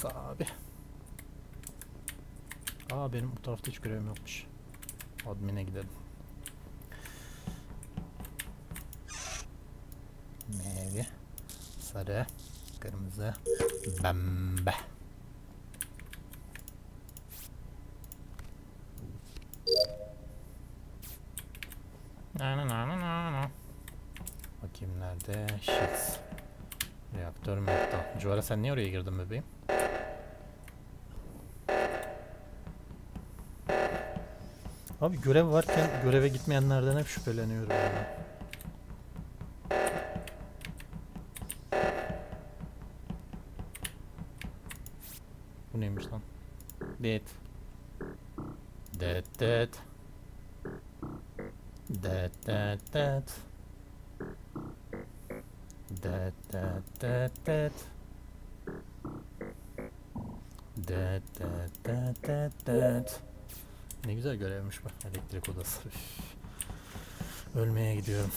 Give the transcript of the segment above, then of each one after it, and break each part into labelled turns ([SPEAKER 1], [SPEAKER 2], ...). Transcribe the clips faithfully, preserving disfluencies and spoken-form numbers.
[SPEAKER 1] abi. Aa benim bu tarafta hiç görevim yokmuş. Admin'e gidelim. Mavi, sarı, kırmızı, pembe. Na na na na na. Bakayım nerede? Shit. Reaktör mekta. Cuara sen niye oraya girdin bebeğim? Abi görev varken göreve gitmeyenlerden hep şüpheleniyorum ya. Bu neymiş lan? Dead. Dead dead. Dead dead dead. Dead dead dead dead. Dead dead dead dead dead. Ne güzel görevmiş bu. Elektrik odası. Üf. Ölmeye gidiyorum.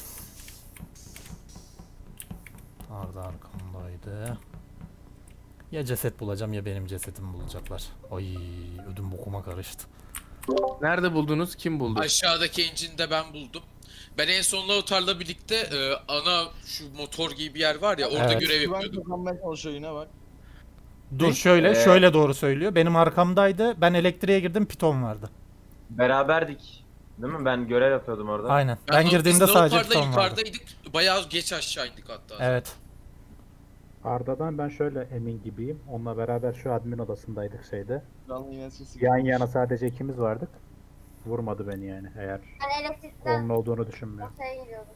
[SPEAKER 1] Arda arkamdaydı. Ya ceset bulacağım ya benim cesetimi bulacaklar. Ay ödüm bokuma karıştı.
[SPEAKER 2] Nerede buldunuz? Kim buldu?
[SPEAKER 3] Aşağıdaki engine'de ben buldum. Ben en son Lautar'la birlikte e, ana şu motor gibi bir yer var ya orada
[SPEAKER 1] Evet.
[SPEAKER 3] görev
[SPEAKER 4] Güven
[SPEAKER 3] yapıyordum.
[SPEAKER 4] kazanmaya çalışıyor yine bak.
[SPEAKER 1] Dur şöyle
[SPEAKER 5] Ee,
[SPEAKER 1] şöyle doğru söylüyor. Benim arkamdaydı. Ben elektriğe girdim. Piton vardı.
[SPEAKER 5] Beraberdik. Değil mi? Ben görev yapıyordum orada.
[SPEAKER 1] Aynen. Ben,
[SPEAKER 3] biz
[SPEAKER 1] girdiğimde sadece
[SPEAKER 3] Lautar'la
[SPEAKER 1] piton vardı.
[SPEAKER 3] yukarıdaydık. Bayağı geç aşağı indik hatta.
[SPEAKER 1] Evet.
[SPEAKER 6] Arda'dan ben şöyle emin gibiyim. Onunla beraber şu admin odasındaydık şeyde.
[SPEAKER 4] Canlı yine sesi
[SPEAKER 6] Yan
[SPEAKER 4] gelmiş.
[SPEAKER 6] yana sadece ikimiz vardık. Vurmadı beni yani eğer
[SPEAKER 7] Ben elektrikten
[SPEAKER 6] onun olduğunu düşünmüyorum.
[SPEAKER 7] ortaya giriyordum.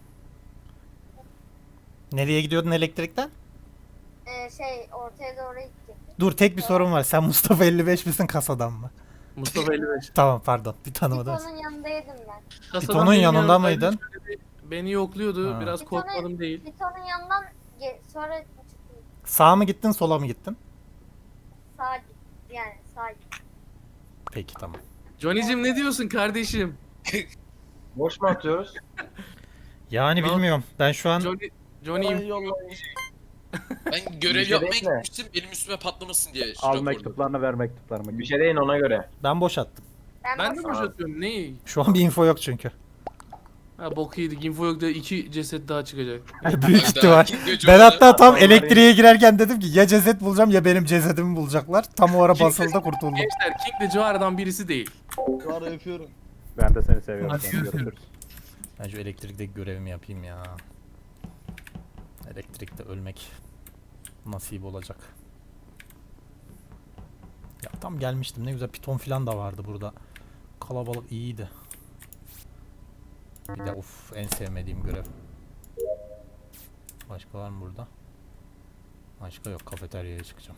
[SPEAKER 1] Nereye gidiyordun elektrikten?
[SPEAKER 7] Ee, şey ortaya doğru gittim.
[SPEAKER 1] Dur tek bir sorun var. Sen Mustafa elli beş misin kasadan mı?
[SPEAKER 2] Mustafa elli beş.
[SPEAKER 1] Tamam pardon. Bir tanımadım.
[SPEAKER 7] Pitonun yanındaydım ben.
[SPEAKER 2] Kasadan
[SPEAKER 1] Pitonun
[SPEAKER 2] benim
[SPEAKER 1] yanında
[SPEAKER 2] yanımdaydı.
[SPEAKER 1] mıydın?
[SPEAKER 2] Şöyle bir Beni yokluyordu.
[SPEAKER 1] Ha.
[SPEAKER 2] Biraz
[SPEAKER 7] Pitonu-
[SPEAKER 2] korkmadım değil.
[SPEAKER 7] Pitonun yanından ge- sonra çıktım.
[SPEAKER 1] Sağa mı gittin sola mı gittin?
[SPEAKER 7] Sağa gittim. Yani sağa gittim.
[SPEAKER 1] Peki tamam.
[SPEAKER 2] Johnny'cim ne diyorsun kardeşim?
[SPEAKER 5] Boş mu atıyoruz?
[SPEAKER 1] Yani
[SPEAKER 2] Ne
[SPEAKER 1] bilmiyorum. Ben şu an
[SPEAKER 2] Johnny, Johnny'yim.
[SPEAKER 4] Ay, yollayın.
[SPEAKER 3] Ben görev
[SPEAKER 5] Bir şey
[SPEAKER 3] yapmaya
[SPEAKER 5] bekle.
[SPEAKER 3] gitmiştim. Benim üstüme patlamasın diye. şu
[SPEAKER 6] Al
[SPEAKER 3] raporda.
[SPEAKER 6] mektuplarını ver mektuplarımı.
[SPEAKER 5] Bir şey deyin ona göre.
[SPEAKER 1] ben boş attım.
[SPEAKER 7] Ben,
[SPEAKER 2] Ben de
[SPEAKER 7] boşum.
[SPEAKER 2] boşatıyorum. Neyi?
[SPEAKER 1] Şu an bir info yok çünkü.
[SPEAKER 2] Ha bok yedik. Info yok da iki ceset daha çıkacak.
[SPEAKER 1] Büyük
[SPEAKER 3] Hayda,
[SPEAKER 1] ihtimal.
[SPEAKER 3] kim göcü
[SPEAKER 1] Ben
[SPEAKER 3] oldu?
[SPEAKER 1] hatta tam
[SPEAKER 5] Onlar
[SPEAKER 1] elektriğe girerken dedim ki ya ceset bulacağım ya benim cesedimi bulacaklar. Tam o ara basıldı kurtuldum.
[SPEAKER 2] Gençler King de Joara'dan birisi değil.
[SPEAKER 4] Şu ara yapıyorum.
[SPEAKER 6] Ben de seni seviyorum.
[SPEAKER 2] Hadi
[SPEAKER 6] Sen görüşürüz.
[SPEAKER 1] Ben şu elektrikteki görevimi yapayım ya. Elektrikte ölmek nasip olacak. Ya tam gelmiştim. Ne güzel piton falan da vardı burada. Kalabalık iyiydi. Bir de of en sevmediğim görev. Başka var mı burada? Başka yok. Kafeteryaya çıkacağım.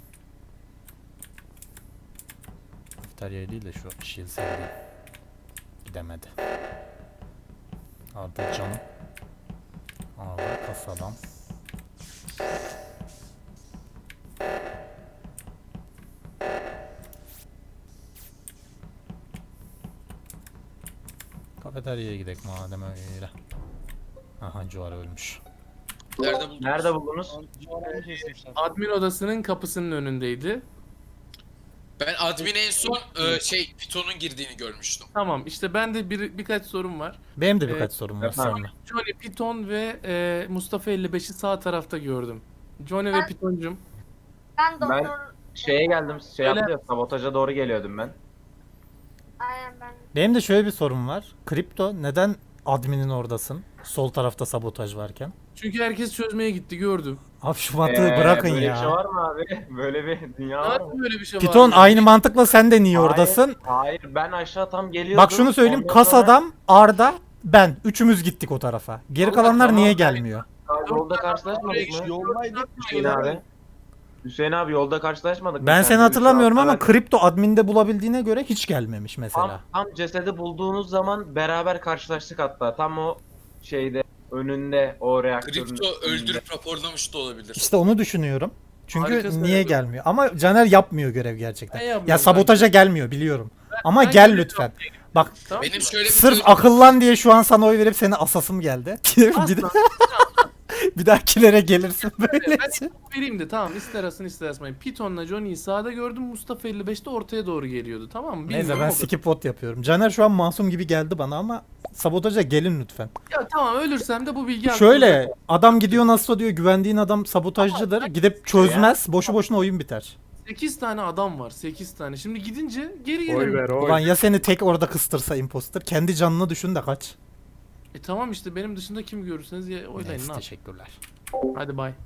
[SPEAKER 1] Kafeteryaya değil de şu Shields'e gideyim. Gidemedi. Arda canım. Arda kasadan. Kafeteryaya gidelim madem öyle. Aha Cuara ölmüş.
[SPEAKER 3] Nerede buldunuz?
[SPEAKER 5] Nerede buldunuz?
[SPEAKER 4] Civarını kesmişler.
[SPEAKER 2] Admin odasının kapısının önündeydi.
[SPEAKER 3] Ben admin en son e, şey Python'un girdiğini görmüştüm.
[SPEAKER 2] Tamam işte ben de bir, birkaç sorum var.
[SPEAKER 1] Benim de birkaç
[SPEAKER 2] Evet,
[SPEAKER 1] sorum var
[SPEAKER 5] efendim.
[SPEAKER 1] seninle.
[SPEAKER 2] Johnny, Piton ve e, Mustafa elli beşi sağ tarafta gördüm. Johnny ve
[SPEAKER 7] Ben-
[SPEAKER 2] Pitoncum.
[SPEAKER 7] Ben doktor...
[SPEAKER 5] Ben Şeye geldim. Şey
[SPEAKER 2] Öyle.
[SPEAKER 5] yaptı ya, sabotaja doğru geliyordum ben.
[SPEAKER 7] Aynen ben.
[SPEAKER 1] Benim de şöyle bir sorum var. Kripto neden adminin oradasın? Sol tarafta sabotaj varken.
[SPEAKER 2] Çünkü herkes çözmeye gitti gördüm.
[SPEAKER 1] Abi şu mantığı
[SPEAKER 5] Ee,
[SPEAKER 1] bırakın
[SPEAKER 5] böyle
[SPEAKER 1] ya.
[SPEAKER 5] bir şey var mı abi? Böyle bir dünya var mı?
[SPEAKER 2] Nasıl böyle bir şey
[SPEAKER 1] Piton
[SPEAKER 2] var?
[SPEAKER 1] aynı mantıkla sen de niye oradasın?
[SPEAKER 5] Hayır, hayır ben aşağı tam geliyordum.
[SPEAKER 1] Bak şunu söyleyeyim.
[SPEAKER 5] Ondan sonra-
[SPEAKER 1] Kasadan Arda ben. Üçümüz gittik o tarafa. Geri
[SPEAKER 5] Allah,
[SPEAKER 1] kalanlar
[SPEAKER 5] tamam,
[SPEAKER 1] niye
[SPEAKER 5] ben-
[SPEAKER 1] gelmiyor?
[SPEAKER 5] Yolda karşılaşmadık mı?
[SPEAKER 4] Yoldaydık.
[SPEAKER 5] Hüseyin abi. Hüseyin abi yolda karşılaşmadık mı?
[SPEAKER 1] Ben
[SPEAKER 5] Sen
[SPEAKER 1] seni
[SPEAKER 5] de
[SPEAKER 1] hatırlamıyorum
[SPEAKER 5] üç
[SPEAKER 1] ama
[SPEAKER 5] hafta
[SPEAKER 1] kripto adminde bulabildiğine göre hiç gelmemiş mesela.
[SPEAKER 5] Tam, tam cesedi bulduğunuz zaman beraber karşılaştık hatta. Tam o şeyde önünde o reaktörün
[SPEAKER 3] Kripto
[SPEAKER 5] önünde.
[SPEAKER 3] öldürüp raporlamış da olabilir.
[SPEAKER 1] İşte onu düşünüyorum. Çünkü
[SPEAKER 2] Harikasın,
[SPEAKER 1] niye
[SPEAKER 2] evet.
[SPEAKER 1] gelmiyor? Ama Caner yapmıyor görev gerçekten.
[SPEAKER 2] Ben yapmıyorum
[SPEAKER 1] Ya sabotaja gelmiyor biliyorum. Ama
[SPEAKER 2] ben
[SPEAKER 1] gel
[SPEAKER 2] görev
[SPEAKER 1] lütfen. Bak
[SPEAKER 2] Tamam
[SPEAKER 3] Benim
[SPEAKER 2] mı?
[SPEAKER 3] şöyle bir
[SPEAKER 1] sırf
[SPEAKER 3] sözüm-
[SPEAKER 1] akıllan diye şu an sana oy verip seni asasım geldi. Bir de- Bir dahakilere gelirsin
[SPEAKER 2] Ben
[SPEAKER 1] böylece.
[SPEAKER 2] info vereyim de tamam ister asın ister asmayın. Python'la Johnny'yi sağda gördüm. Mustafa elli beşte ortaya doğru geliyordu tamam mı?
[SPEAKER 1] Neyse
[SPEAKER 2] Bilmiyorum,
[SPEAKER 1] ben
[SPEAKER 2] o kadar.
[SPEAKER 1] skip vote yapıyorum. Caner şu an masum gibi geldi bana ama sabotaja gelin lütfen.
[SPEAKER 2] Ya tamam ölürsem de bu bilgi
[SPEAKER 1] Şöyle
[SPEAKER 2] aklımda.
[SPEAKER 1] adam gidiyor nasıl diyor güvendiğin adam sabotajcıdır. Gidip çözmez. Boşu boşuna oyun biter.
[SPEAKER 2] sekiz tane adam var sekiz tane. Şimdi gidince geri
[SPEAKER 6] Oy
[SPEAKER 2] gelelim.
[SPEAKER 6] ver oy.
[SPEAKER 1] Ulan ya seni tek orada kıstırsa imposter. Kendi canını düşün de kaç.
[SPEAKER 2] E tamam işte benim dışında kim görürseniz ya oylayın
[SPEAKER 1] Neyse
[SPEAKER 2] ne yap.
[SPEAKER 1] teşekkürler.
[SPEAKER 2] Hadi bay.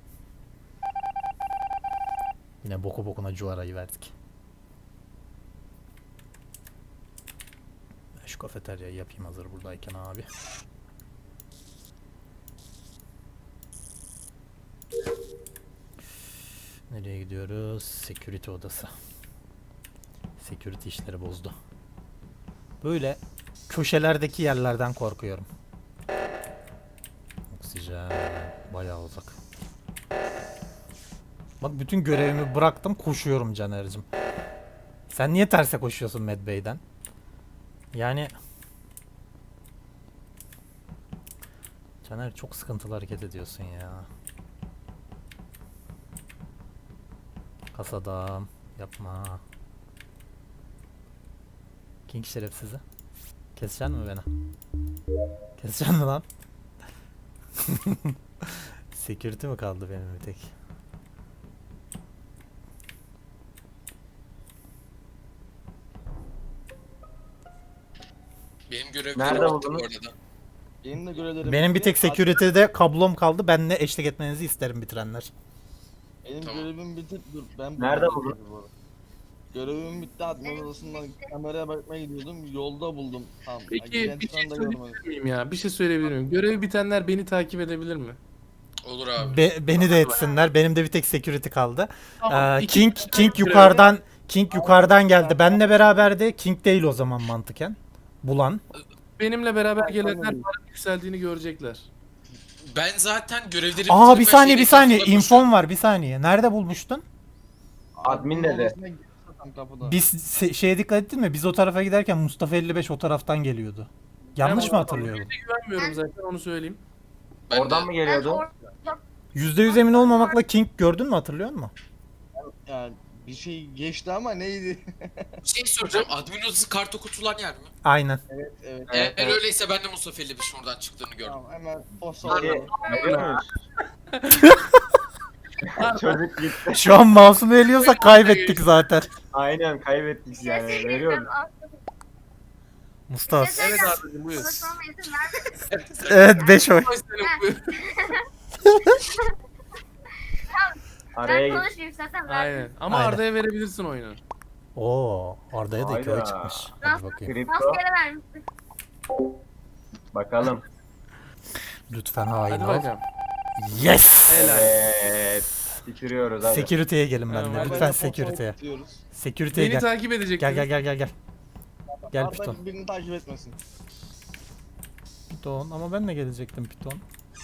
[SPEAKER 1] Yine boku bokuna cuarayı verdik. Ben şu kafeteryayı yapayım hazır buradayken abi. Nereye gidiyoruz? Security odası. Security işleri bozdu. Böyle köşelerdeki yerlerden korkuyorum. Oksijen bayağı uzak. Bak bütün görevimi bıraktım koşuyorum Caner'cim. Sen niye terse koşuyorsun Med Bey'den? Yani Caner çok sıkıntılı hareket ediyorsun ya. Kasadam yapma. King şerefsizi. Keseceksin mi beni? Keseceksin mi lan? Security mi kaldı benim bir tek?
[SPEAKER 3] Benim
[SPEAKER 5] Nerede
[SPEAKER 3] görevlerim bitti bu
[SPEAKER 5] buldunuz?
[SPEAKER 3] arada.
[SPEAKER 4] Benim de görevlerim
[SPEAKER 1] Benim bir
[SPEAKER 4] bitti.
[SPEAKER 1] tek security'de kablom kaldı. Benle eşlik etmenizi isterim bitirenler.
[SPEAKER 4] Benim
[SPEAKER 3] Tamam.
[SPEAKER 4] görevim bitti. Dur ben
[SPEAKER 5] Nerede
[SPEAKER 4] buldum
[SPEAKER 5] buldun?
[SPEAKER 4] bu arada. Görevim bitti. Admin odasından kameraya bakmaya gidiyordum. Yolda buldum. Tamam.
[SPEAKER 2] Peki
[SPEAKER 4] Giren
[SPEAKER 2] bir şey
[SPEAKER 4] çıkan da
[SPEAKER 2] söyleyebilir
[SPEAKER 4] görmedim.
[SPEAKER 2] miyim ya? Bir şey söyleyebilir miyim? Görevi bitenler beni takip edebilir mi?
[SPEAKER 3] Olur abi.
[SPEAKER 1] Be- beni de etsinler. Benim de bir tek security kaldı.
[SPEAKER 2] Tamam,
[SPEAKER 1] Ee,
[SPEAKER 2] iki
[SPEAKER 1] King
[SPEAKER 2] tane
[SPEAKER 1] King
[SPEAKER 2] görevi-
[SPEAKER 1] yukarıdan King yukarıdan geldi. Benle beraberdi. King değil o zaman mantıken. Bulan.
[SPEAKER 2] Benimle beraber
[SPEAKER 4] Ben
[SPEAKER 2] gelenler
[SPEAKER 4] anladım.
[SPEAKER 2] paranın yükseldiğini görecekler.
[SPEAKER 3] Ben zaten görevleri
[SPEAKER 1] Aa bir
[SPEAKER 3] bitirip
[SPEAKER 1] saniye
[SPEAKER 3] her
[SPEAKER 1] bir
[SPEAKER 3] şeyi
[SPEAKER 1] saniye.
[SPEAKER 3] etrafında
[SPEAKER 1] İnfom var bir saniye. Nerede bulmuştun?
[SPEAKER 5] Admin dedi.
[SPEAKER 4] odasına girdi zaten kapıda.
[SPEAKER 1] Biz se- şeye dikkat ettin mi? Biz o tarafa giderken Mustafa elli beş o taraftan geliyordu. Yanlış
[SPEAKER 2] Ben
[SPEAKER 1] mı
[SPEAKER 2] o-
[SPEAKER 1] hatırlıyorum?
[SPEAKER 2] Güvenmiyorum zaten onu söyleyeyim.
[SPEAKER 3] Ben de-
[SPEAKER 5] Oradan mı
[SPEAKER 7] Ben
[SPEAKER 5] geliyordu?
[SPEAKER 7] or-
[SPEAKER 1] yüzde yüz emin olmamakla King gördün mü hatırlıyor musun?
[SPEAKER 4] Yani bir şey geçti ama neydi?
[SPEAKER 3] Bir şey soracağım. Admin odası kart okutulan yer mi?
[SPEAKER 1] Aynen.
[SPEAKER 4] evet evet.
[SPEAKER 5] Evet,
[SPEAKER 3] Eğer
[SPEAKER 5] evet.
[SPEAKER 3] öyleyse ben de Mustafa elli beşin oradan çıktığını gördüm.
[SPEAKER 4] Tamam hemen o
[SPEAKER 5] Peki,
[SPEAKER 4] sonra.
[SPEAKER 5] görüyor musun? Çocuk gitti.
[SPEAKER 1] Şu an mouse'umu eliyorsak kaybettik zaten.
[SPEAKER 5] Aynen kaybettik
[SPEAKER 7] Bir şey
[SPEAKER 5] yani.
[SPEAKER 7] söyleyeceğim.
[SPEAKER 5] Veriyoruz.
[SPEAKER 7] Aslında
[SPEAKER 1] Mustafa.
[SPEAKER 7] bir şey
[SPEAKER 2] Evet
[SPEAKER 7] söyleyeceğim.
[SPEAKER 2] abicim buyur.
[SPEAKER 7] Konuşmama izin vermedin.
[SPEAKER 1] Evet beş oy.
[SPEAKER 2] Ay senin buyur.
[SPEAKER 5] Araya
[SPEAKER 7] Ben
[SPEAKER 5] git.
[SPEAKER 7] konuşmayayım zaten. Ben
[SPEAKER 2] Aynen. Ama
[SPEAKER 1] Aynen.
[SPEAKER 2] Arda'ya verebilirsin oyunu.
[SPEAKER 1] Oo, Arda'ya da iki oy
[SPEAKER 5] Hayda.
[SPEAKER 1] çıkmış. Hadi bakayım.
[SPEAKER 5] Kripto.
[SPEAKER 7] maskere vermiştim.
[SPEAKER 5] Bakalım.
[SPEAKER 1] Lütfen hain
[SPEAKER 2] Hadi
[SPEAKER 1] ol.
[SPEAKER 2] bakalım.
[SPEAKER 1] Yes!
[SPEAKER 2] Helal.
[SPEAKER 5] Evet. Bitiriyoruz hadi.
[SPEAKER 1] Security'ye gelin benimle.
[SPEAKER 2] Tamam,
[SPEAKER 1] Lütfen
[SPEAKER 4] Haberle
[SPEAKER 1] security'ye.
[SPEAKER 4] fotoğraf tutuyoruz.
[SPEAKER 1] Security'ye
[SPEAKER 2] Beni
[SPEAKER 1] gel.
[SPEAKER 2] takip edecek.
[SPEAKER 1] Gel gel gel gel gel. Gel
[SPEAKER 4] Arda
[SPEAKER 1] Piton.
[SPEAKER 4] birini takip etmesin.
[SPEAKER 1] Piton ama ben de gelecektim Piton.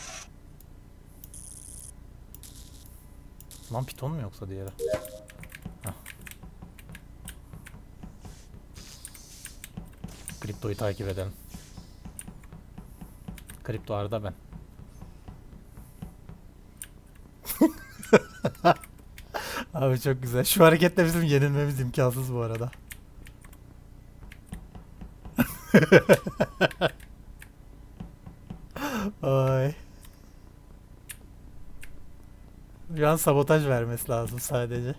[SPEAKER 1] Lan Piton mu yoksa diğeri? Hah. Kriptoyu takip edelim. Kripto Arda ben. Abi çok güzel. Şu hareketle bizim yenilmemiz imkansız bu arada. Ay. Şu an sabotaj vermesi lazım sadece.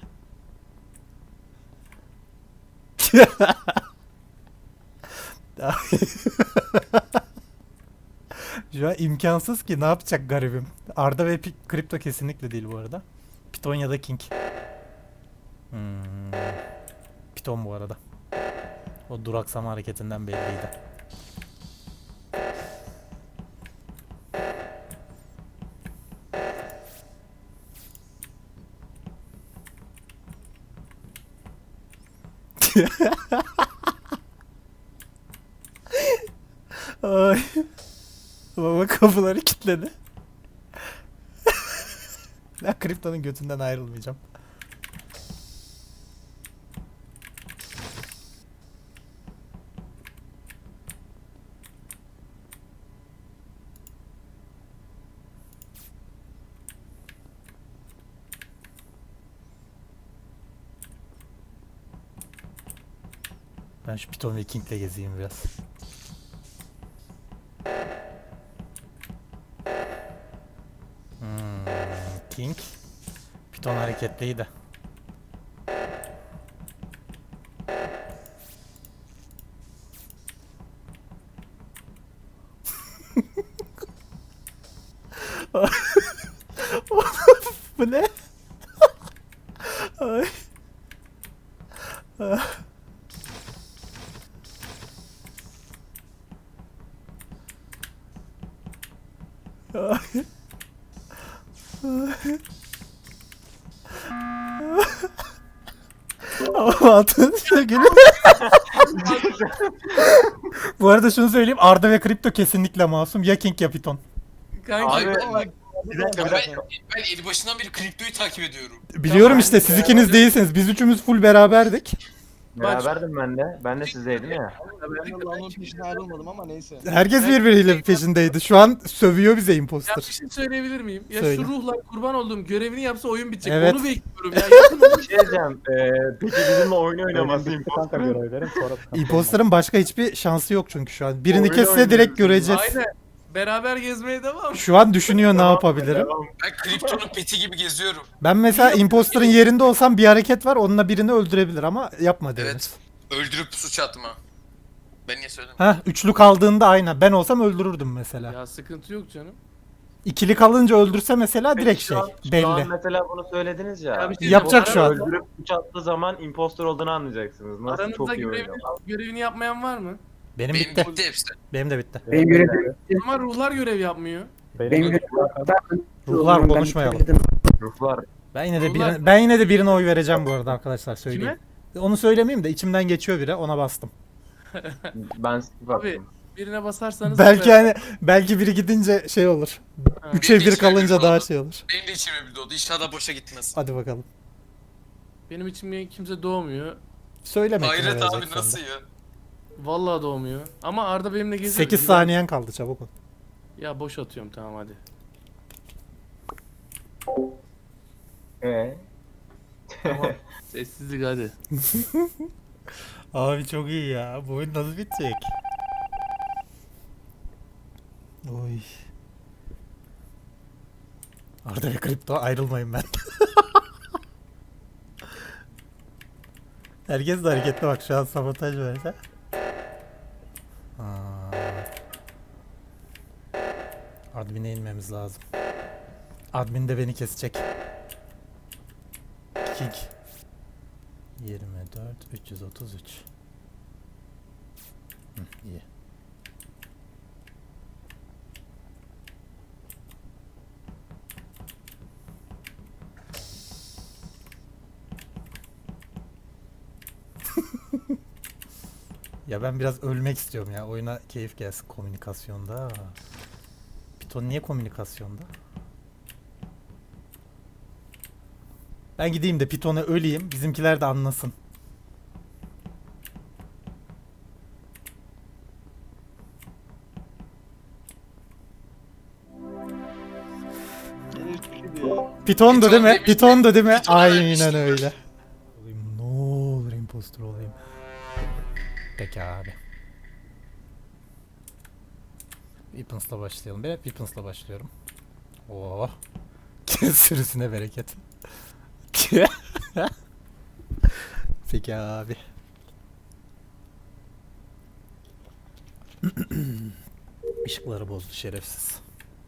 [SPEAKER 1] Şu an imkansız ki ne yapacak garibim. Arda ve Pi- Kripto kesinlikle değil bu arada. Piton ya da King. Hmm. Piton bu arada. O duraksama hareketinden belliydi. Ay. Baba kapıları kilitledi. Ben kriptonun götünden ayrılmayacağım. Ben şu Python ve King'le gezeyim biraz. Hmm, King. Python hareketliydi. Bu ne? Ay. Ay. Ama altın gülüm. Bu arada şunu söyleyeyim, Arda ve Kripto kesinlikle masum. Ya King ya Python.
[SPEAKER 2] Kanka
[SPEAKER 3] Abi,
[SPEAKER 5] Abi,
[SPEAKER 3] ben,
[SPEAKER 5] bir dakika bir dakika.
[SPEAKER 3] ben eli başından beri kriptoyu takip ediyorum.
[SPEAKER 1] Biliyorum
[SPEAKER 2] Tamam,
[SPEAKER 1] işte, siz ikiniz değilsiniz. Biz üçümüz full beraberdik.
[SPEAKER 5] Beraberdim ben de. Ben de sizdeydim ya.
[SPEAKER 4] Ben de Lan'ın peşine ayrılmadım ama neyse.
[SPEAKER 1] Herkes birbiriyle peşindeydi. Şu an sövüyor bize
[SPEAKER 2] ya
[SPEAKER 1] imposter.
[SPEAKER 2] bir şey söyleyebilir miyim? Ya
[SPEAKER 1] Söyle.
[SPEAKER 2] şu ruhlar kurban olduğum görevini yapsa oyun bitecek.
[SPEAKER 1] Evet.
[SPEAKER 2] Onu bekliyorum ya. Yapın onu.
[SPEAKER 5] Bir şey diyeceğim. Ee, peki bizimle oyun
[SPEAKER 6] Oynaması
[SPEAKER 5] oynaması
[SPEAKER 6] bitti kanka
[SPEAKER 5] imposterın.
[SPEAKER 6] görevlerim sonra sıkıntı
[SPEAKER 1] Imposter'ın başka hiçbir şansı yok çünkü şu an. Birini
[SPEAKER 5] Oyun
[SPEAKER 1] kesse
[SPEAKER 5] oynuyoruz
[SPEAKER 1] direkt
[SPEAKER 5] biz.
[SPEAKER 1] göreceğiz.
[SPEAKER 2] Aynen. Beraber gezmeye devam.
[SPEAKER 1] Şu an düşünüyor ne yapabilirim.
[SPEAKER 5] Devam.
[SPEAKER 3] Ben kriptonun peti gibi geziyorum.
[SPEAKER 1] Ben mesela imposter'ın yerinde olsam bir hareket var, onunla birini öldürebilir ama yapma deriz.
[SPEAKER 3] Evet. Öldürüp suç atma. Ben niye söyledim?
[SPEAKER 1] Heh, üçlü kaldığında aynen. Ben olsam öldürürdüm mesela.
[SPEAKER 2] Ya sıkıntı yok canım.
[SPEAKER 1] İkili kalınca öldürse mesela
[SPEAKER 5] Peki
[SPEAKER 1] direkt
[SPEAKER 5] şu
[SPEAKER 1] şey
[SPEAKER 5] an- Şu
[SPEAKER 1] belli.
[SPEAKER 5] an mesela bunu söylediniz ya.
[SPEAKER 2] Ya bir şey
[SPEAKER 1] Yapacak
[SPEAKER 2] diyeceğim.
[SPEAKER 1] şu an.
[SPEAKER 2] Aranızda-
[SPEAKER 5] Öldürüp üç attığı zaman impostor olduğunu anlayacaksınız. Nasıl
[SPEAKER 2] Aranızda
[SPEAKER 5] çok iyi
[SPEAKER 2] görevini,
[SPEAKER 5] oynuyor.
[SPEAKER 2] görevini yapmayan var mı?
[SPEAKER 1] Benim
[SPEAKER 3] Benim
[SPEAKER 1] bitti.
[SPEAKER 3] bitti hepsi.
[SPEAKER 1] Benim de bitti.
[SPEAKER 6] Benim görevim
[SPEAKER 2] Ama ruhlar görev yapmıyor.
[SPEAKER 6] benim
[SPEAKER 1] Ruhlar konuşmayalım.
[SPEAKER 5] Ruhlar.
[SPEAKER 1] Ben yine de
[SPEAKER 2] Ruhlar-
[SPEAKER 1] birine, ben yine de birine oy vereceğim bu arada arkadaşlar,
[SPEAKER 2] Kime?
[SPEAKER 1] söyleyeyim. Onu söylemeyeyim de içimden geçiyor biri, ona bastım.
[SPEAKER 5] Ben skip
[SPEAKER 2] Abi,
[SPEAKER 5] attım.
[SPEAKER 2] Birine basarsanız...
[SPEAKER 1] Belki hani belki biri gidince şey olur.
[SPEAKER 2] Ha.
[SPEAKER 1] Üçe bir
[SPEAKER 3] içime
[SPEAKER 1] kalınca
[SPEAKER 3] bir
[SPEAKER 1] daha
[SPEAKER 3] oldu.
[SPEAKER 1] şey olur.
[SPEAKER 3] Benim de içime bir doğdu. İnşallah boşa gitmez.
[SPEAKER 1] Hadi bakalım.
[SPEAKER 2] Benim içimde kimse doğmuyor.
[SPEAKER 1] Söyleme. kime
[SPEAKER 3] Hayret abi
[SPEAKER 1] vereceksen de.
[SPEAKER 3] nasıl ya?
[SPEAKER 2] Vallahi doğmuyor. Ama Arda benimle geziyor.
[SPEAKER 1] sekiz
[SPEAKER 2] Güven-
[SPEAKER 1] saniyen kaldı, çabuk ol.
[SPEAKER 2] Ya boş atıyorum tamam hadi.
[SPEAKER 5] Ee?
[SPEAKER 2] Tamam. Sessizlik hadi.
[SPEAKER 1] Abi çok iyi ya. Bu oyun nasıl bitecek? Oy. Arda ve Kripto ayrılmayın ben. Herkes de hareketli bak, şu an sabotaj verse. Aa. Admin'e inmemiz lazım. Admin de beni kesecek. King. yirmi dört üç yüz otuz üç. Hı, iyi. Ya ben biraz ölmek istiyorum ya. Oyuna keyif gelsin komünikasyonda. Python niye komünikasyonda? Ben gideyim de Python'a öleyim. Bizimkiler de anlasın.
[SPEAKER 4] Yine üç kişi diyor.
[SPEAKER 1] Python'du
[SPEAKER 3] Python
[SPEAKER 1] değil mi?
[SPEAKER 3] demiş-
[SPEAKER 1] Python'du değil mi?
[SPEAKER 3] Python'a
[SPEAKER 1] Aynen
[SPEAKER 3] vermiştim.
[SPEAKER 1] öyle. Olayım, ne olur impostor olayım. Peki abi. Weapons'la başlayalım. Ben hep Weapons'la başlıyorum. Oh. Sürüsüne bereket. Peki abi. Işıkları bozdu şerefsiz.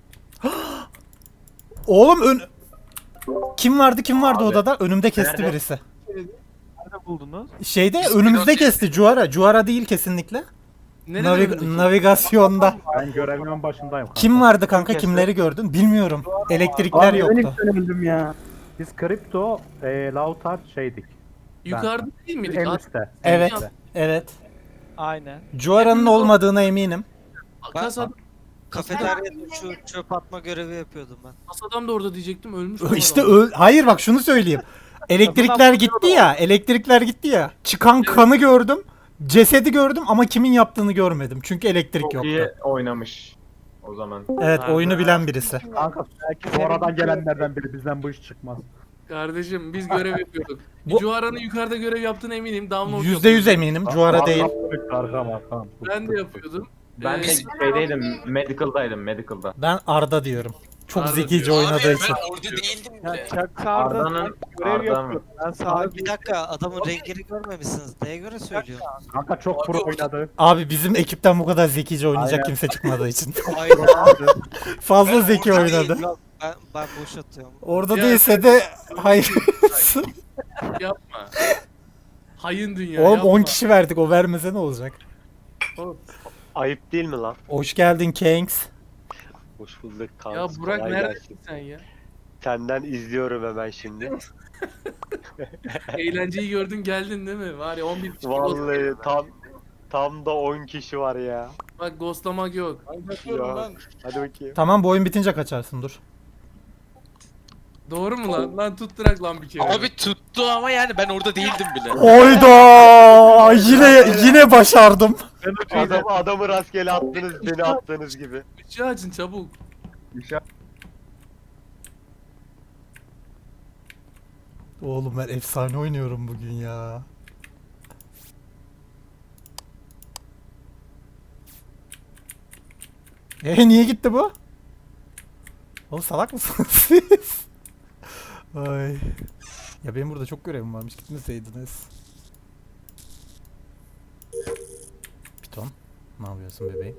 [SPEAKER 1] Oğlum ön... Kim vardı kim vardı
[SPEAKER 5] Abi.
[SPEAKER 1] odada? Önümde kesti
[SPEAKER 5] Nerede?
[SPEAKER 1] birisi.
[SPEAKER 8] Nerede buldunuz?
[SPEAKER 1] Şeyde
[SPEAKER 3] Biz
[SPEAKER 1] önümüzde
[SPEAKER 3] pilot-
[SPEAKER 1] kesti. Cuara. Cuara değil kesinlikle.
[SPEAKER 2] Nerede
[SPEAKER 1] Navi-
[SPEAKER 2] önündeki?
[SPEAKER 1] navigasyonda.
[SPEAKER 6] Ben görevimin başındayım kanka.
[SPEAKER 1] Kim vardı kanka?
[SPEAKER 5] kesti?
[SPEAKER 1] Kimleri gördün? Bilmiyorum. Elektrikler yoktu.
[SPEAKER 8] öldüm ya.
[SPEAKER 6] Biz kripto, e, Lautard şeydik.
[SPEAKER 2] Yukarıda değil miydik?
[SPEAKER 6] En
[SPEAKER 2] At-
[SPEAKER 6] üstte.
[SPEAKER 1] Evet.
[SPEAKER 2] Ya,
[SPEAKER 1] Evet.
[SPEAKER 8] Aynen.
[SPEAKER 1] Cuara'nın
[SPEAKER 2] Hepimiz o-
[SPEAKER 1] olmadığına eminim.
[SPEAKER 2] Kasada,
[SPEAKER 9] Kafeteryada şu çöp atma görevi yapıyordum ben.
[SPEAKER 2] kasadam da orada diyecektim ölmüş. o
[SPEAKER 1] İşte
[SPEAKER 2] adam.
[SPEAKER 1] öl- hayır bak şunu söyleyeyim. Elektrikler gitti ya. Elektrikler gitti ya. Çıkan kanı gördüm. Cesedi gördüm ama kimin yaptığını görmedim. Çünkü elektrik
[SPEAKER 5] Çok
[SPEAKER 1] yoktu.
[SPEAKER 5] iyi oynamış. O zaman.
[SPEAKER 1] Evet,
[SPEAKER 2] Nerede?
[SPEAKER 1] oyunu bilen birisi.
[SPEAKER 6] Kanka sonradan gelenlerden biri bizden bu iş çıkmaz.
[SPEAKER 2] Kardeşim biz görev yapıyorduk.
[SPEAKER 1] Bu-
[SPEAKER 2] Cuhara'nın yukarıda görev yaptığına eminim. Download
[SPEAKER 1] Yüzde yüz
[SPEAKER 2] yapıyordum.
[SPEAKER 1] eminim. Cuara değil.
[SPEAKER 6] Arkam arkam.
[SPEAKER 2] Ben de yapıyordum.
[SPEAKER 5] Ben de
[SPEAKER 2] Ee,
[SPEAKER 5] şeydeydim, medical'daydım, medical'da.
[SPEAKER 1] Ben Arda diyorum. Çok
[SPEAKER 2] Arda
[SPEAKER 1] zekice
[SPEAKER 2] diyor.
[SPEAKER 1] oynadığı
[SPEAKER 3] Abi
[SPEAKER 1] için.
[SPEAKER 3] ben orada değildim
[SPEAKER 8] Ya
[SPEAKER 3] bile.
[SPEAKER 8] Chuck Arda
[SPEAKER 5] Arda'nın-
[SPEAKER 8] görev
[SPEAKER 5] Arda
[SPEAKER 8] yapıyor.
[SPEAKER 5] mı?
[SPEAKER 8] Ben sağa
[SPEAKER 9] Abi bir dakika adamın rengini görmemişsiniz. Neye göre söylüyorsun?
[SPEAKER 6] Kanka çok pro oynadı.
[SPEAKER 1] Abi bizim ekipten bu kadar zekice oynayacak
[SPEAKER 6] Aynen.
[SPEAKER 1] kimse çıkmadığı için.
[SPEAKER 9] Aynen.
[SPEAKER 1] Fazla
[SPEAKER 3] Ben
[SPEAKER 1] zeki
[SPEAKER 3] orada
[SPEAKER 1] oynadı.
[SPEAKER 3] değilim.
[SPEAKER 9] Yok ben, ben boş atıyorum.
[SPEAKER 1] Orada
[SPEAKER 2] Ya-
[SPEAKER 1] değilse de hayır.
[SPEAKER 2] Yapma. Hayın dünya
[SPEAKER 1] Oğlum
[SPEAKER 2] yapma.
[SPEAKER 1] on kişi verdik, o vermese ne olacak?
[SPEAKER 2] Oğlum,
[SPEAKER 10] Ayıp değil mi lan?
[SPEAKER 1] Hoş geldin Kings.
[SPEAKER 10] Hoş bulduk kanka.
[SPEAKER 2] Ya Burak
[SPEAKER 10] kolay
[SPEAKER 2] neredesin
[SPEAKER 10] gelsin.
[SPEAKER 2] sen ya?
[SPEAKER 10] Senden izliyorum hemen şimdi.
[SPEAKER 2] Eğlenceyi gördün geldin değil mi? Var ya on bir kişi
[SPEAKER 10] Vallahi
[SPEAKER 2] ghost-
[SPEAKER 10] tam tam da on kişi var ya.
[SPEAKER 2] Bak ghostlamak yok.
[SPEAKER 4] Ben kaçıyorum
[SPEAKER 10] Ya.
[SPEAKER 4] ben.
[SPEAKER 10] Hadi bakayım.
[SPEAKER 1] Tamam, bu oyun bitince kaçarsın, dur.
[SPEAKER 2] Doğru mu lan? Lan tutturak lan bir kere.
[SPEAKER 3] Abi tuttu ama yani ben orada değildim bile.
[SPEAKER 1] Oyda! Yine yine başardım.
[SPEAKER 10] Adam, adamı rastgele attınız beni attığınız gibi.
[SPEAKER 2] Işığı açın çabuk.
[SPEAKER 1] Oğlum ben efsane oynuyorum bugün ya. E niye gitti bu? Oğlum salak mısınız siz? Ay. Ya benim burada çok görevim varmış, gitmeseydiniz. Piton, ne yapıyorsun bebeğim?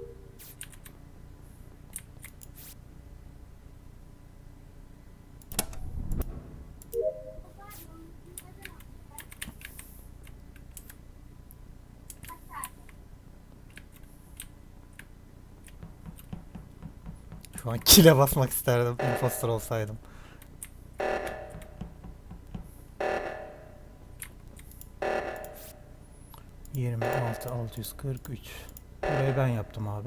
[SPEAKER 1] Şu an kile basmak isterdim imposter olsaydım. Yirmi altı altı yüz kırk üç. Burayı ben yaptım abi.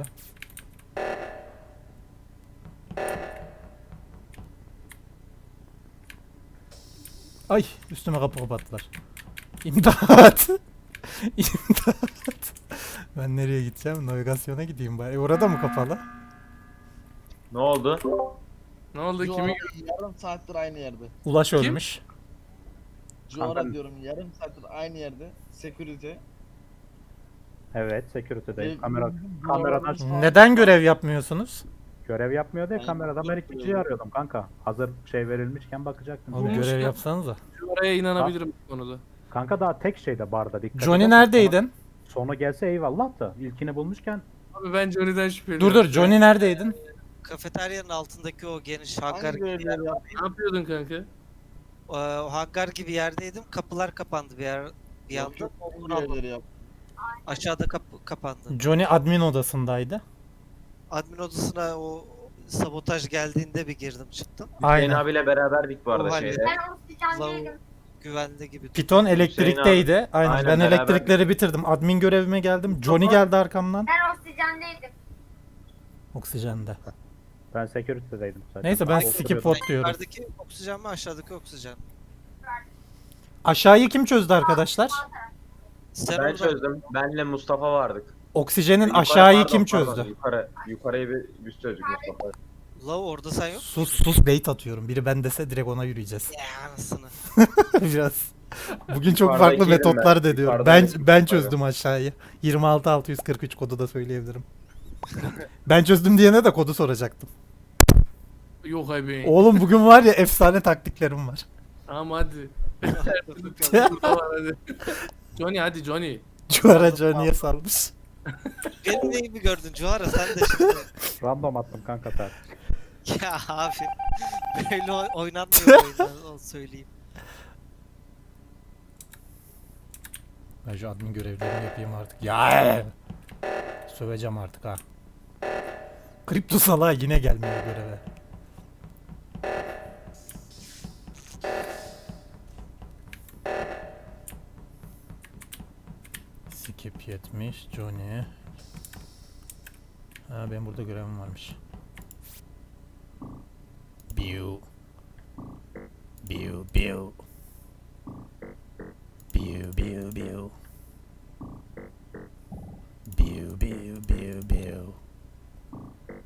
[SPEAKER 1] Ay, üstüme kapı kapattılar. İmdat. İmdat. Ben nereye gideceğim? Navigasyona gideyim bari. E, orada mı kapalı?
[SPEAKER 5] Ne oldu?
[SPEAKER 2] Ne oldu?
[SPEAKER 4] Cuara
[SPEAKER 2] Kimi
[SPEAKER 4] yarım saattir aynı yerde.
[SPEAKER 1] Ulaş
[SPEAKER 2] Kim?
[SPEAKER 1] ölmüş.
[SPEAKER 4] Cuara
[SPEAKER 6] Kanka-
[SPEAKER 4] diyorum yarım saattir aynı yerde. Security.
[SPEAKER 6] Evet, security'deyim.
[SPEAKER 4] Ve-
[SPEAKER 6] Kamera
[SPEAKER 4] Cuara'nın
[SPEAKER 6] kameradan
[SPEAKER 4] sağ-
[SPEAKER 1] Neden görev yapmıyorsunuz?
[SPEAKER 6] görev yapmıyor diye
[SPEAKER 4] Ben
[SPEAKER 6] kameradan ben
[SPEAKER 4] yapıyorum.
[SPEAKER 6] ikinciyi arıyordum kanka. Hazır şey verilmişken bakacaktım.
[SPEAKER 1] Abi
[SPEAKER 2] Bulmuş
[SPEAKER 1] görev
[SPEAKER 2] ya.
[SPEAKER 1] yapsanıza.
[SPEAKER 2] oraya inanabilirim bu konuda.
[SPEAKER 6] Kanka daha tek şeyde barda dikkat
[SPEAKER 1] Johnny
[SPEAKER 6] edersen
[SPEAKER 1] neredeydin?
[SPEAKER 6] Sonu, sonu gelse eyvallah da ilkini bulmuşken
[SPEAKER 2] Abi ben Johnny'den şüpheleniyorum.
[SPEAKER 1] Dur dur, Johnny neredeydin?
[SPEAKER 9] Kafeteryanın altındaki o geniş hangar
[SPEAKER 4] Hangi
[SPEAKER 9] gibi yer.
[SPEAKER 4] görevleri yaptın?
[SPEAKER 2] Ne yapıyordun kanka?
[SPEAKER 9] Ee, o hangar gibi yerdeydim. Kapılar kapandı bir yer. Bir
[SPEAKER 4] Yok,
[SPEAKER 9] anda
[SPEAKER 4] yok, hangi
[SPEAKER 9] onu aldım.
[SPEAKER 4] görevleri yaptın?
[SPEAKER 9] Aşağıda kapı kapandı.
[SPEAKER 1] Johnny admin odasındaydı.
[SPEAKER 9] Admin odasına o sabotaj geldiğinde bir girdim çıktım.
[SPEAKER 5] Hüseyin
[SPEAKER 1] Aynen.
[SPEAKER 5] abiyle beraberdik bu arada
[SPEAKER 9] O halde.
[SPEAKER 5] şeyde.
[SPEAKER 7] Ben oksijendeydim.
[SPEAKER 9] Lav güvenli gibi.
[SPEAKER 1] Piton elektrikteydi. Aynen.
[SPEAKER 5] Aynen,
[SPEAKER 1] Ben
[SPEAKER 5] beraber.
[SPEAKER 1] elektrikleri bitirdim. Admin görevime geldim. Johnny geldi arkamdan.
[SPEAKER 7] Ben oksijendeydim.
[SPEAKER 1] Oksijende.
[SPEAKER 6] ben security'deydim zaten.
[SPEAKER 1] Neyse, ben
[SPEAKER 6] Aa,
[SPEAKER 1] skip
[SPEAKER 6] oturuyordum.
[SPEAKER 1] vote diyorum.
[SPEAKER 9] Yukarıdaki oksijen mi aşağıdaki oksijen?
[SPEAKER 1] Aşağıyı kim çözdü arkadaşlar?
[SPEAKER 9] Sen
[SPEAKER 5] Ben
[SPEAKER 9] orada
[SPEAKER 5] çözdüm. Benle Mustafa vardık.
[SPEAKER 1] Oksijenin
[SPEAKER 5] Yukarı-
[SPEAKER 1] aşağıyı
[SPEAKER 5] pardon,
[SPEAKER 1] kim
[SPEAKER 5] pardon,
[SPEAKER 1] çözdü?
[SPEAKER 5] Yukarı, yukarıyı bir biz çözdük Mustafa.
[SPEAKER 9] Lav orada sen yok.
[SPEAKER 1] Sus sus, bait atıyorum. Biri ben dese direkt ona yürüyeceğiz.
[SPEAKER 9] Ya anasını.
[SPEAKER 1] Biraz. Bugün çok
[SPEAKER 5] Yukarıdaki
[SPEAKER 1] farklı
[SPEAKER 5] yerim
[SPEAKER 1] metotlar
[SPEAKER 5] ben.
[SPEAKER 1] deniyorum. Ben
[SPEAKER 5] Yukarıdaki
[SPEAKER 1] ben
[SPEAKER 5] yukarı.
[SPEAKER 1] çözdüm aşağıyı. yirmi altı altı yüz kırk üç kodu da söyleyebilirim. Ben çözdüm diyene de kodu soracaktım.
[SPEAKER 2] Yok abi.
[SPEAKER 1] Oğlum bugün var ya, efsane taktiklerim var.
[SPEAKER 2] Tamam hadi. Burada var, hadi. Johnny hadi Johnny.
[SPEAKER 1] Cuara Johnny'ye salmış.
[SPEAKER 9] Benim neyimi gördün Cuhara sen de şimdi.
[SPEAKER 6] Random attım kanka sen.
[SPEAKER 9] Ya abi. Böyle oy- oynanmıyor oyunlar onu söyleyeyim.
[SPEAKER 1] Ben şu admin görevlerimi yapayım artık. Ya! Söveceğim artık ha. Kripto salağı yine gelmiyor göreve. Skip yetmiş, Johnny. Ha, benim burada görevim varmış. Biu. Biu biu. Biu biu biu. Biu biu biu biu.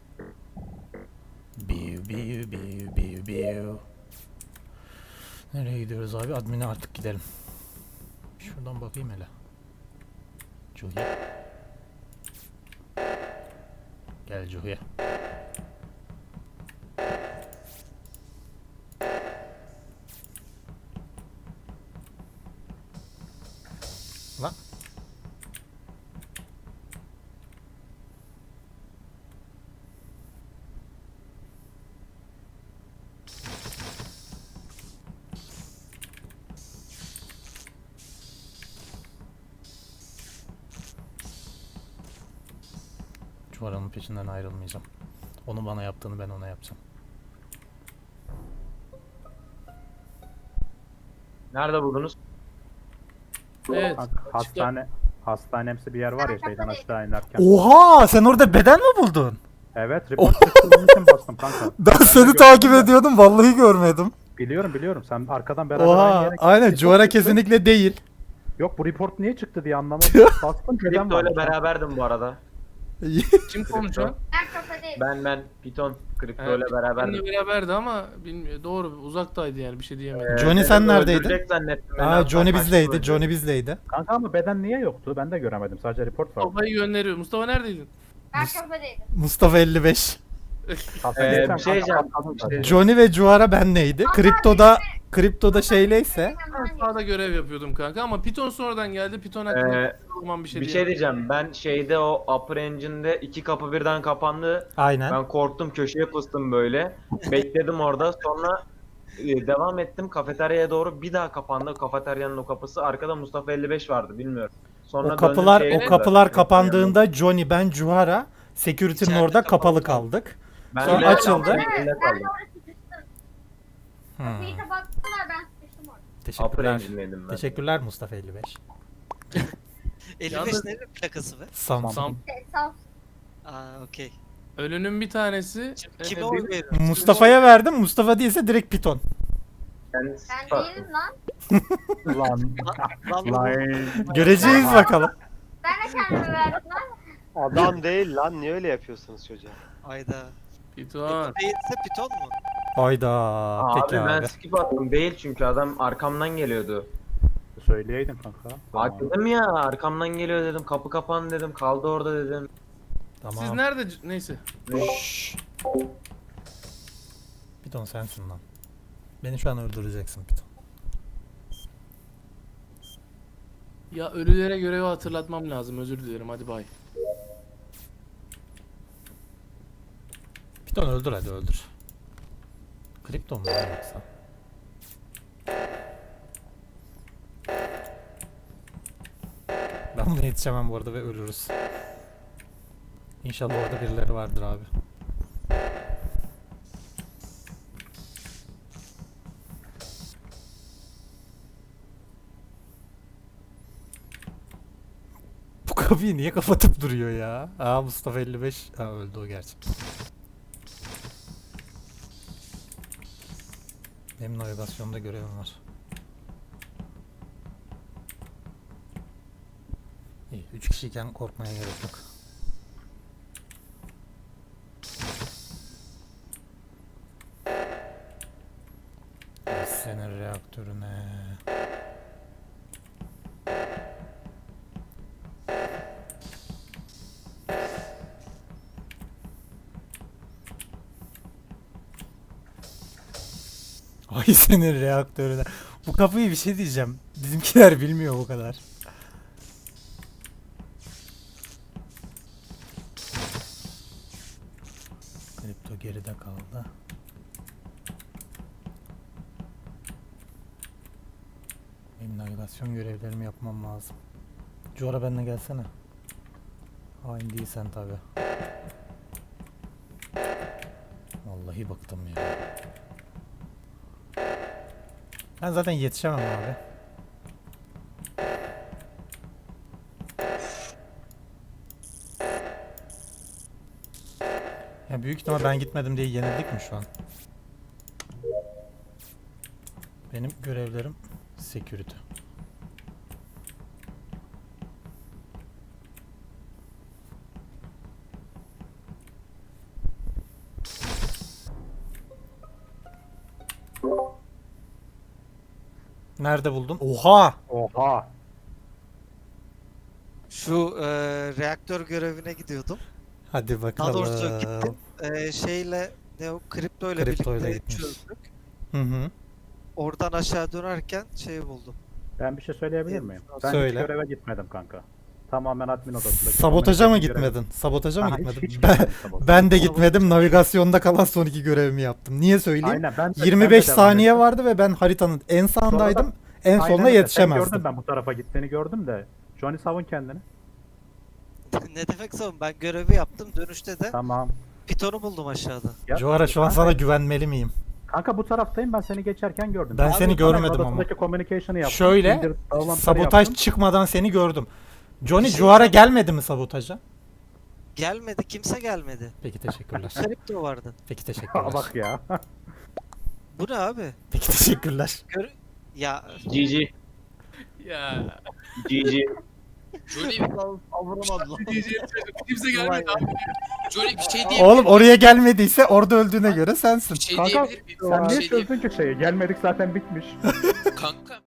[SPEAKER 1] Biu biu biu biu biu. Nereye gidiyoruz abi? Admin'e artık gidelim. Şuradan bakayım hele. Cuhi. Gel Cuhi. Lan. Cuvara'nın peşinden ayrılmayacağım. Onu bana yaptığını ben ona yapacağım.
[SPEAKER 5] Nerede buldunuz?
[SPEAKER 2] Evet.
[SPEAKER 6] Hastane hastanemsi bir yer var ya şeyden aşağı inerken.
[SPEAKER 1] Oha! Sen orada beden mi buldun?
[SPEAKER 6] Evet, report çıktı onun için bastım kanka.
[SPEAKER 1] Ben seni takip ediyordum. Vallahi görmedim.
[SPEAKER 6] Biliyorum biliyorum sen arkadan beraber aynı
[SPEAKER 1] Oha!
[SPEAKER 6] yere
[SPEAKER 1] Aynen.
[SPEAKER 6] Report
[SPEAKER 1] Cuvara
[SPEAKER 6] çıktı.
[SPEAKER 1] kesinlikle değil.
[SPEAKER 6] Yok bu report niye çıktı diye anlamadım. Bastım beden
[SPEAKER 5] Kripto ile
[SPEAKER 6] var.
[SPEAKER 5] beraberdim bu arada.
[SPEAKER 2] Kim konuşuyor?
[SPEAKER 7] Ben kafadayım.
[SPEAKER 5] Ben ben Piton Kripto ile
[SPEAKER 2] Evet,
[SPEAKER 5] beraberdim.
[SPEAKER 2] Benimle beraberdi ama bilmiyor. Doğru uzaktaydı yani bir şey diyemedim.
[SPEAKER 1] Johnny
[SPEAKER 5] Ee,
[SPEAKER 1] sen
[SPEAKER 5] dedim,
[SPEAKER 1] neredeydin?
[SPEAKER 5] öldürecek zannettim. Ben
[SPEAKER 1] Aa,
[SPEAKER 5] hatta
[SPEAKER 1] Johnny
[SPEAKER 5] kaçtım
[SPEAKER 1] bizdeydi.
[SPEAKER 5] önce.
[SPEAKER 1] Johnny bizdeydi.
[SPEAKER 6] Kanka ama beden niye yoktu? Ben de göremedim. Sadece report var.
[SPEAKER 2] Mustafa'yı gönderiyor. Mustafa neredeydin?
[SPEAKER 7] Ben kafadaydım.
[SPEAKER 1] Mustafa elli beş.
[SPEAKER 5] Ee, bir şey diyeceğim. Bir şey-
[SPEAKER 1] Johnny ve Cuara benleydi. Kriptoda Kriptoda şeyleyse
[SPEAKER 2] Ben sağda görev yapıyordum kanka ama Python sonradan geldi. Python hakkında
[SPEAKER 5] Ee,
[SPEAKER 2] bir şey
[SPEAKER 5] Bir şey
[SPEAKER 2] diyemem.
[SPEAKER 5] diyeceğim. Ben şeyde o Upper Engine'de iki kapı birden kapandı.
[SPEAKER 1] aynen.
[SPEAKER 5] Ben korktum, köşeye fıstım böyle. Bekledim orada. Sonra e, devam ettim kafeteryaya doğru. Bir daha kapandı kafeteryanın o kapısı. Arkada Mustafa elli beş vardı bilmiyorum. Sonra
[SPEAKER 1] O
[SPEAKER 5] döndüm
[SPEAKER 1] kapılar
[SPEAKER 5] şeye-
[SPEAKER 1] o kapılar kapandığında Johnny, ben, Cuara security'nin
[SPEAKER 3] İçeride
[SPEAKER 1] orada kapalı
[SPEAKER 3] kapalı.
[SPEAKER 1] kaldık.
[SPEAKER 5] Ben
[SPEAKER 1] sonra
[SPEAKER 5] de-
[SPEAKER 1] açıldı.
[SPEAKER 5] ben de
[SPEAKER 7] Ben de
[SPEAKER 5] kaldım.
[SPEAKER 7] orada sıkıştım.
[SPEAKER 1] Hmm.
[SPEAKER 7] Kapıyı kapattılar ben sıkıştım orada.
[SPEAKER 5] Upper
[SPEAKER 1] Teşekkürler.
[SPEAKER 5] Engine'deydim ben.
[SPEAKER 1] Teşekkürler Mustafa elli beş.
[SPEAKER 9] elli beş
[SPEAKER 2] Yalnız-
[SPEAKER 9] nerenin plakası be?
[SPEAKER 1] Sam.
[SPEAKER 2] Sam.
[SPEAKER 7] Şey, sağ ol.
[SPEAKER 9] Aa okey.
[SPEAKER 2] Ölünün bir tanesi
[SPEAKER 9] Kime
[SPEAKER 2] e,
[SPEAKER 9] oy
[SPEAKER 2] benim-
[SPEAKER 9] veriyorsun?
[SPEAKER 1] Mustafa'ya verdim. Mustafa değilse direkt Piton.
[SPEAKER 5] Ben,
[SPEAKER 7] Ben değilim lan.
[SPEAKER 6] Lan.
[SPEAKER 9] Lan
[SPEAKER 6] Lan.
[SPEAKER 1] Göreceğiz bakalım.
[SPEAKER 7] Ben de kendime verdim lan.
[SPEAKER 10] Adam değil lan niye öyle yapıyorsunuz çocuğa?
[SPEAKER 9] Ayda.
[SPEAKER 2] Python.
[SPEAKER 9] Değilse Python mu?
[SPEAKER 1] Hayda.
[SPEAKER 5] abi
[SPEAKER 1] Peki
[SPEAKER 5] ben
[SPEAKER 1] abi.
[SPEAKER 5] skip attım. Değil çünkü adam arkamdan geliyordu.
[SPEAKER 6] Söyleyeydin kanka.
[SPEAKER 5] Bak dedim ya arkamdan geliyor dedim. Kapı kapandı dedim. Kaldı orada dedim.
[SPEAKER 2] Siz
[SPEAKER 1] Tamam.
[SPEAKER 2] nerede? Neyse.
[SPEAKER 1] Şşş. Piton sensin lan. Beni şu an öldüreceksin Piton.
[SPEAKER 2] Ya ölülere görevi hatırlatmam lazım. Özür dilerim. Hadi bay.
[SPEAKER 1] Piton öldür hadi öldür. Kripton mu lan yoksa? Ben buna yetişemem bu arada ve ölürüz. İnşallah orada birileri vardır abi. Bu kapıyı niye kapatıp duruyor ya? Aa Mustafa elli beş. Aa öldü o gerçi. Benim navigasyonda görevim var. İyi, üç kişiyken korkmaya gerek yok. Ay, senin reaktörüne. Ay senin reaktörüne. Bu kapıyı bir şey diyeceğim. Bizimkiler bilmiyor bu kadar. Kripto geride kaldı. Benim navigasyon görevlerimi yapmam lazım. Cora benimle gelsene. Hain değilsen tabi. Vallahi bıktım ya. Ben zaten yetişemem abi. Ya büyük ihtimal ben gitmedim diye yenildik mi şu an? Benim görevlerim security. Nerede buldun? Oha!
[SPEAKER 6] Oha.
[SPEAKER 9] Şu e, reaktör görevine gidiyordum.
[SPEAKER 1] Hadi
[SPEAKER 9] Daha doğrusu
[SPEAKER 1] bakalım.
[SPEAKER 9] gittim. E, şeyle ne o kripto ile
[SPEAKER 1] Kriptoyla
[SPEAKER 9] birlikte
[SPEAKER 1] gitmiş.
[SPEAKER 9] çözdük.
[SPEAKER 1] Hı hı.
[SPEAKER 9] Oradan aşağı dönerken şeyi buldum.
[SPEAKER 6] Ben bir şey söyleyebilir miyim? Ben
[SPEAKER 1] Söyle.
[SPEAKER 6] hiç göreve gitmedim kanka. Tamamen admin odasında.
[SPEAKER 1] Sabotaja mı
[SPEAKER 6] Communication görevi-
[SPEAKER 1] gitmedin? Sabotaja mı
[SPEAKER 6] Aha, hiç-
[SPEAKER 1] gitmedin?
[SPEAKER 6] hiç
[SPEAKER 1] ben,
[SPEAKER 6] gitmedim sabotaja.
[SPEAKER 1] ben de gitmedim. Navigasyonda kalan son iki görevimi yaptım. Niye söyleyeyim?
[SPEAKER 6] Aynen ben de,
[SPEAKER 1] yirmi beş
[SPEAKER 6] ben de devam
[SPEAKER 1] saniye
[SPEAKER 6] ettim.
[SPEAKER 1] vardı ve ben haritanın en sağındaydım. En
[SPEAKER 6] Aynen
[SPEAKER 1] sonuna
[SPEAKER 6] öyle. Seni
[SPEAKER 1] yetişemezdim.
[SPEAKER 6] gördüm ben bu tarafa gittiğini gördüm de. Johnny savun kendini.
[SPEAKER 9] Ne demek savun? Ben görevi yaptım. Dönüşte de
[SPEAKER 6] Tamam.
[SPEAKER 9] pitonu buldum aşağıda.
[SPEAKER 6] Ya,
[SPEAKER 1] Joara şu an
[SPEAKER 6] kanka-
[SPEAKER 1] sana güvenmeli miyim?
[SPEAKER 6] Kanka bu taraftayım ben seni geçerken gördüm.
[SPEAKER 1] Ben
[SPEAKER 6] Abi,
[SPEAKER 1] seni
[SPEAKER 6] sana
[SPEAKER 1] görmedim ama.
[SPEAKER 6] odasındaki communication'ı yaptım.
[SPEAKER 1] Şöyle,
[SPEAKER 6] indir- bağlantıları
[SPEAKER 1] Sabotaj
[SPEAKER 6] yaptım.
[SPEAKER 1] çıkmadan seni gördüm. Johnny
[SPEAKER 9] Bir şey
[SPEAKER 1] Joara
[SPEAKER 9] söyleyeyim.
[SPEAKER 1] gelmedi mi sabotaja?
[SPEAKER 9] Gelmedi. Kimse gelmedi.
[SPEAKER 1] Peki teşekkürler.
[SPEAKER 9] Kripto vardı.
[SPEAKER 1] Peki
[SPEAKER 6] Aa,
[SPEAKER 1] teşekkürler.
[SPEAKER 6] bak ya.
[SPEAKER 9] Bu ne abi?
[SPEAKER 1] Peki teşekkürler.
[SPEAKER 9] Gör ya
[SPEAKER 5] G G.
[SPEAKER 2] Ya.
[SPEAKER 5] G G.
[SPEAKER 3] Johnny,
[SPEAKER 4] Savuramadı lan.
[SPEAKER 2] Diyeceğim kimse gelmedi abi.
[SPEAKER 3] Johnny bir şey diyebilir
[SPEAKER 1] Oğlum oraya gelmediyse orada öldüğüne göre sensin.
[SPEAKER 3] Bir şey
[SPEAKER 6] Kanka
[SPEAKER 3] diyebilir miyim?
[SPEAKER 6] sen
[SPEAKER 3] Bir
[SPEAKER 6] niye
[SPEAKER 3] şey diyebilir
[SPEAKER 6] çözdün ki şeyi? Gelmedik zaten bitmiş.
[SPEAKER 3] Kanka